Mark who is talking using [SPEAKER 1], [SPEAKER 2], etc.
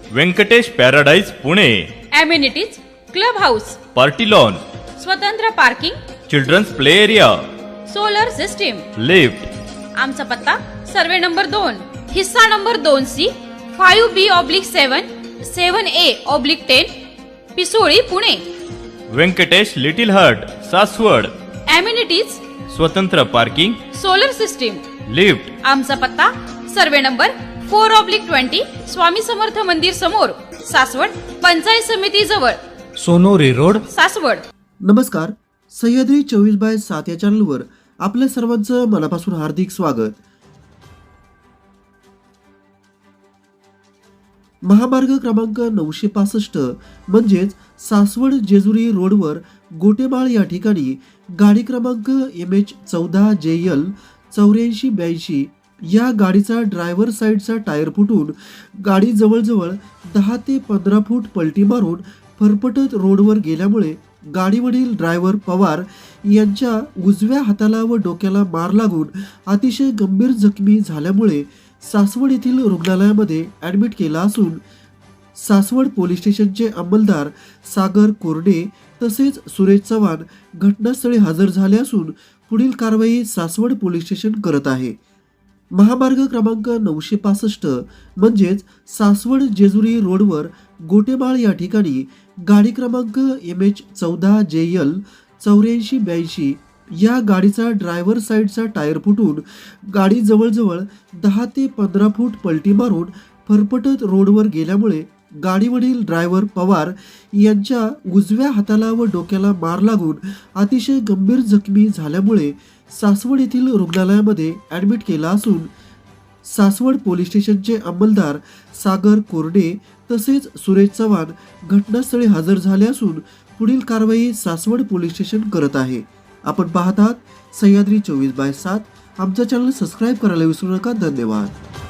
[SPEAKER 1] Venkatesh paradise Pune.
[SPEAKER 2] Amenities club house,
[SPEAKER 1] party lawn,
[SPEAKER 2] स्वतंत्र parking,
[SPEAKER 1] children's play area,
[SPEAKER 2] solar system,
[SPEAKER 1] lift.
[SPEAKER 2] आमचा पत्ता survey number 2, हिस्सा number 2C, 5B/7, 7A/10, Pisoli, Pune.
[SPEAKER 1] Venkatesh little heart, Saswad.
[SPEAKER 2] Amenities
[SPEAKER 1] स्वतंत्र parking,
[SPEAKER 2] solar system,
[SPEAKER 1] lift.
[SPEAKER 2] आमचा पत्ता survey number 4/20, स्वामी समर्थ मंदिर समोर, सासवड, पंचायत समिती जवळ,
[SPEAKER 3] सोनोरी रोड,
[SPEAKER 2] सासवड।
[SPEAKER 4] नमस्कार, सह्याद्री 24/7 या चॅनलवर आपल्या सर्वांचं मनापासून हार्दिक स्वागत। महामार्ग क्रमांक 965 म्हणजेच सासवड जेजुरी रोडवर गोटेमाळ या ठिकाणी गाडी क्रमांक MH14JL 8482 या गाडीचा ड्रायव्हर साईडचा टायर फुटून गाडी जवळजवळ 10 ते 15 फूट पलटी मारून फरफटत रोडवर गेल्यामुळे गाडीवरील ड्रायव्हर पवार यांच्या उजव्या हाताला व डोक्याला मार लागून अतिशय गंभीर जखमी झाल्यामुळे सासवड येथील रुग्णालयामध्ये ॲडमिट केला असून सासवड पोलीस स्टेशनचे अंमलदार सागर कोरडे तसेच सुरेश चव्हाण घटनास्थळी हजर झाले असून पुढील कारवाई सासवड पोलीस स्टेशन करत आहे। महामार्ग क्रमांक 965 म्हणजेच सासवड जेजुरी रोडवर गोटेमाळ या ठिकाणी गाडी क्रमांक MH14JL 8482 या गाडीचा ड्रायव्हर साईडचा टायर फुटून गाडी जवळजवळ 10 ते 15 फूट पलटी मारून फरफटत रोडवर गेल्यामुळे गाडीवरील ड्रायव्हर पवार यांच्या उजव्या हाताला व डोक्याला मार लागून अतिशय गंभीर जखमी झाल्यामुळे सासवड येथील रुग्णालयामध्ये ॲडमिट केला असून सासवड पोलीस स्टेशनचे अंमलदार सागर कोरडे तसेच सुरेश चव्हाण घटनास्थळी हजर झाले असून पुढील कारवाई सासवड पोलीस स्टेशन करत आहे। आपण पाहतात सह्याद्री 24/7। आमचा चॅनल सबस्क्राईब करायला विसरू नका। धन्यवाद।